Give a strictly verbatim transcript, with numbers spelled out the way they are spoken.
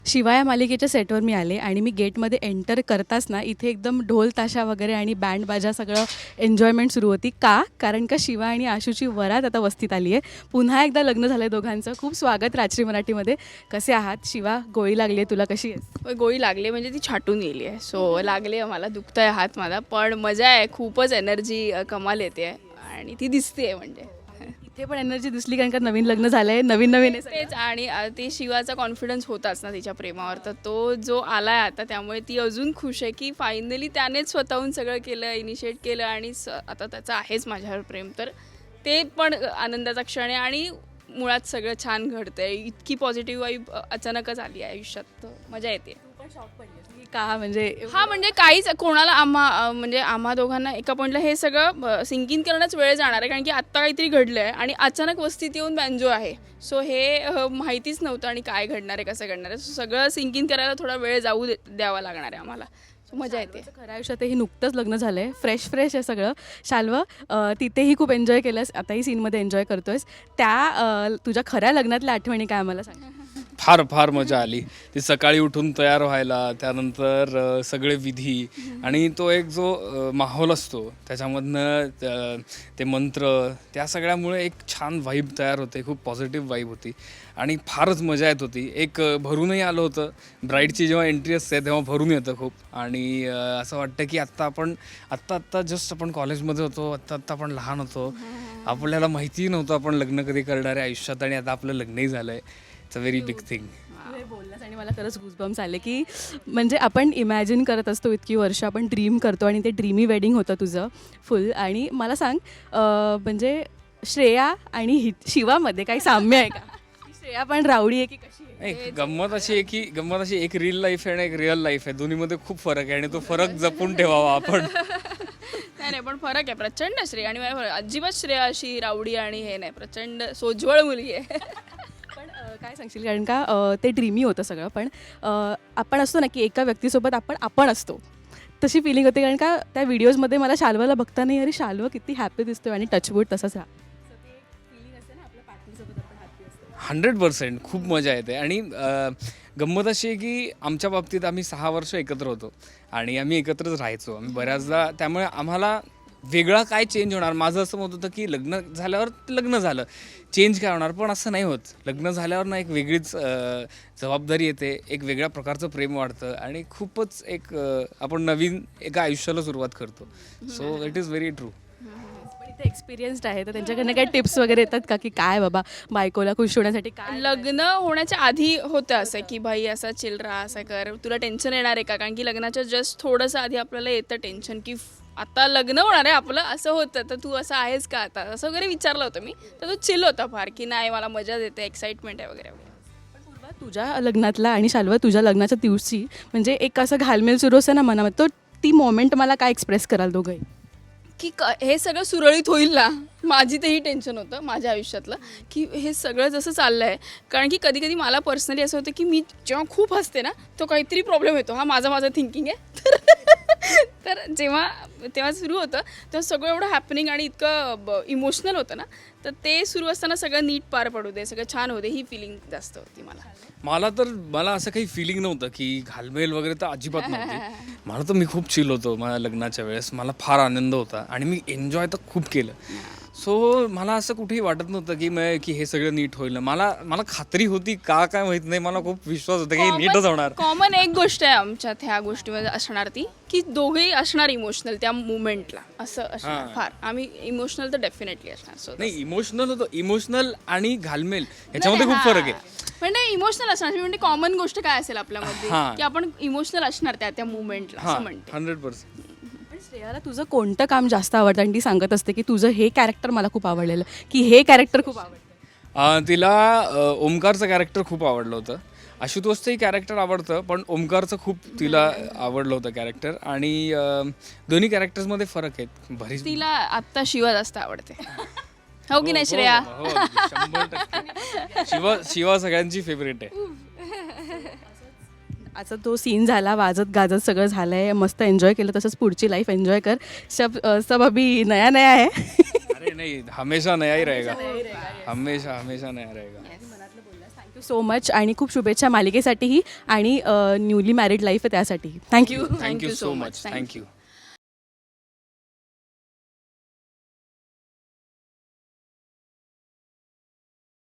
शिवा या मालिकेच्या सेटवर मी आले आणि मी गेटमध्ये एंटर करताच ना इथे एकदम ढोल ताशा वगैरे आणि बँड बाजा सगळं एन्जॉयमेंट सुरू होती. का? कारण का शिवा आणि आशूची वरात आता वस्तीत आली आहे. पुन्हा एकदा लग्न झालं आहे दोघांचं. खूप स्वागत राजश्री मराठीमध्ये. कसे आहात? शिवा, गोळी लागली आहे तुला, कशी आहेस? गोळी लागली म्हणजे ती छाटून गेली आहे. सो लागली आहे मला, दुखतं आहे हात माझा, पण मजा आहे. खूपच एनर्जी कमाल येते आहे आणि ती दिसते आहे. म्हणजे इथे पण एनर्जी दिसली कारण का नवीन लग्न झालं आहे, नवीन नवीन आहे तेच. आणि अ, ते शिवाचा कॉन्फिडन्स होताच ना तिच्या प्रेमावर, तर तो जो आला आहे आता, त्यामुळे ती अजून खुश आहे की फायनली त्यानेच स्वतःहून सगळं केलं, इनिशिएट केलं आणि स आता त्याचं आहेच माझ्यावर प्रेम. तर ते पण आनंदाचा क्षण आहे आणि मुळात सगळं छान घडतं आहे. इतकी पॉझिटिव्ह वाईब अचानकच आली आहे आयुष्यात, तर मजा येते. का? म्हणजे हा म्हणजे काहीच कोणाला आम्हा अ, म्हणजे आम्हा दोघांना एका पॉईंटला हे सगळं सिंक इन करण्याच वेळ जाणार आहे, कारण की आत्ता काहीतरी घडलं आहे आणि अचानक वस्तीत येऊन बँजो आहे. सो हे अ, माहितीच नव्हतं आणि काय घडणार आहे, कसं घडणार आहे. सो सगळं सिंक इन करायला थोडा वेळ जाऊ दे द्यावा लागणार आहे आम्हाला. सो मजा येते. खऱ्या आयुष्यात हे नुकतंच लग्न झालं आहे, फ्रेश फ्रेश आहे सगळं. शाल्व, अ, तिथेही खूप एन्जॉय केलंस, आताही सीनमध्ये एन्जॉय करतोयस. त्या अ, तुझ्या खऱ्या लग्नातल्या आठवणी काय मला सांग? फार फार मजा आली. ती सकाळी उठून तयार व्हायला, त्यानंतर अ, सगळे विधी आणि तो एक जो अ, माहोल असतो त्याच्यामधनं त- ते मंत्र, त्या सगळ्यामुळे एक छान व्हाईब तयार होते. खूप पॉझिटिव्ह व्हाईब होती आणि फारच मजा येत होती. एक अ, भरूनही आलं होतं. ब्राईडची जेव्हा एंट्री असते तेव्हा भरून येतं खूप. आणि अ, असं वाटतं की आत्ता आपण आत्ता आत्ता जस्ट आपण कॉलेजमध्ये होतो, आत्ता आत्ता आपण लहान होतो, आपल्याला माहितीही नव्हतं आपण लग्न कधी करणार आहे आयुष्यात, आणि आता आपलं लग्नही झालं आहे. It's a very big thing. तू हे बोललास आणि मला खरंच गुजबम्स आले की म्हणजे आपण इमॅजिन करत असतो इतकी वर्ष, आपण ड्रीम करतो आणि ते ड्रीमी वेडिंग होतं तुझं फुल. आणि मला सांग, अ, म्हणजे श्रेया आणि हि शिवामध्ये काही साम्य आहे का? श्रेया पण रावडी आहे की कशी आहे? एक गंमत अशी आहे की गंमत अशी एक रिअल लाईफ आहे आणि एक रिअल लाईफ आहे. दोन्हीमध्ये खूप फरक आहे आणि तो फरक जपून ठेवावा आपण. नाही नाही, पण फरक आहे प्रचंड. श्रेया आणि माझ्या अजिबात श्रेया अशी रावडी आणि हे नाही, प्रचंड सोज्वळ मुलगी आहे. पण अ, काय सांगशील, कारण का अ, ते ड्रीमी होतं सगळं, पण अ, आपण असतो ना की एका व्यक्तीसोबत आपण आपण असतो, तशी फिलिंग होते. कारण का त्या व्हिडिओजमध्ये मला शाल्वाला बघता नाही, अरे शाल्व किती हॅपी दिसतोय आणि टचवूड तसंच राहा. हंड्रेड पर्सेंट खूप मजा येते. आणि अ, गंमत अशी आहे की आमच्या बाबतीत आम्ही सहा वर्ष एकत्र होतो आणि आम्ही एकत्रच राहायचो आम्ही बऱ्याचदा. त्यामुळे आम्हाला वेगळा काय चेंज होणार, माझं असं मत होतं की लग्न झाल्यावर लग्न झालं, चेंज काय होणार, पण असं नाही होत. लग्न झाल्यावर ना एक वेगळीच अ, जबाबदारी येते, एक वेगळ्या प्रकारचं प्रेम वाढतं आणि खूपच एक अ, आपण नवीन एका आयुष्याला सुरुवात करतो. So it is very true. पण इथे एक्सपिरियन्स्ड आहे, तर त्यांच्याकडनं काही टिप्स वगैरे येतात का की काय बाबा बायकोला खुश होण्यासाठी काय? लग्न होण्याच्या आधी होतं असं की भाई असा चिल राहा, असं कर, तुला टेन्शन येणार आहे का? कारण की लग्नाच्या जस्ट थोडंसं आधी आपल्याला येतं टेन्शन की फ- आता लग्न होणार आहे आपलं, असं होतं, तर तू असं आहेस का आता, असं वगैरे विचारलं होतं मी. तर तो चिल होता फार की नाही मला मजा देते, एक्साइटमेंट आहे वगैरे वगैरे. पण पूर्वा, तुझ्या लग्नातला आणि शाल्वा तुझ्या लग्नाच्या दिवशी म्हणजे एक असं घालमेल सुरू असतं ना मनामध्ये, तो ती मोमेंट मला काय एक्सप्रेस कराल दोघंही? की क हे सगळं सुरळीत होईल ना. माझी तेही टेन्शन होतं माझ्या आयुष्यातलं की हे सगळं जसं चाललं आहे, कारण की कधी कधी मला पर्सनली असं होतं की मी जेव्हा खूप हसते ना, तो काहीतरी प्रॉब्लेम येतो. हा माझा माझं थिंकिंग आहे. तर तर जेव्हा तेव्हा सुरू होतं तेव्हा सगळं एवढं हॅपनिंग आणि इतकं इमोशनल होतं ना, तर ते सुरू असताना सगळं नीट पार पडू दे, सगळं छान होते, ही फिलिंग जास्त होती मला. मला तर मला असं काही फिलिंग नव्हतं की घालमेल वगैरे तर अजिबात नव्हती. मला तर मी खूप चिल होतो माझ्या लग्नाच्या वेळेस. मला फार आनंद होता आणि मी एन्जॉय तर खूप केलं. सो मला असं कुठेही वाटत नव्हतं की मग की हे सगळं नीट होईल. मला मला खात्री होती, का काय माहीत नाही, मला खूप विश्वास होता की हे नीटच होणार. कॉमन एक गोष्ट आहे आमच्यात ह्या गोष्टीमध्ये असणार, ती की दोघेही असणार इमोशनल त्या मुवमेंटला, असं असणार. हां. फार आम्ही इमोशनल तर डेफिनेटली असणार. सो नाही, इमोशनल होतं. इमोशनल आणि घालमेल ह्याच्यामध्ये खूप फरक आहे. म्हणजे इमोशनल असणार म्हणजे कॉमन गोष्ट काय असेल आपल्यामध्ये हां. की आपण इमोशनल असणार त्या त्या मुवमेंटला, हां, असं म्हणते. Hundred percent. पण श्रेयाला तुझं कोणतं काम जास्त आवडतं आणि ती सांगत असते की तुझं हे कॅरेक्टर मला खूप आवडलेलं, की हे कॅरेक्टर खूप आवडतं? तिला अ, ओमकारचं कॅरेक्टर खूप आवडलं होतं. आशुतोषचंही कॅरेक्टर आवडतं, पण ओमकारचं खूप तिला आवडलं होतं कॅरेक्टर. आणि अ, दोन्ही कॅरेक्टर्समध्ये फरक आहेत बरीच. तिला आत्ता शिवा जास्त आवडते. हो की नाही श्रेया? हो, हो, शंभर टक्के. शिवा शिवा सगळ्यांची फेवरेट आहे. असं तो सीन झाला, वाजत गाजत सगळं झालं आहे, मस्त एन्जॉय केलं, तसंच पुढची लाईफ एन्जॉय कर. सब अ, सब अभी नया नया आहे. अरे नाही, हमेशा नया ही रहेगा. हमेशा हमेशा नया रहेगा. मनातलं बोललास. थँक्यू सो मच आणि खूप शुभेच्छा मालिकेसाठीही आणि न्यूली मॅरिड लाईफ आहे त्यासाठीही. Thank you. Thank you so much. Thank you.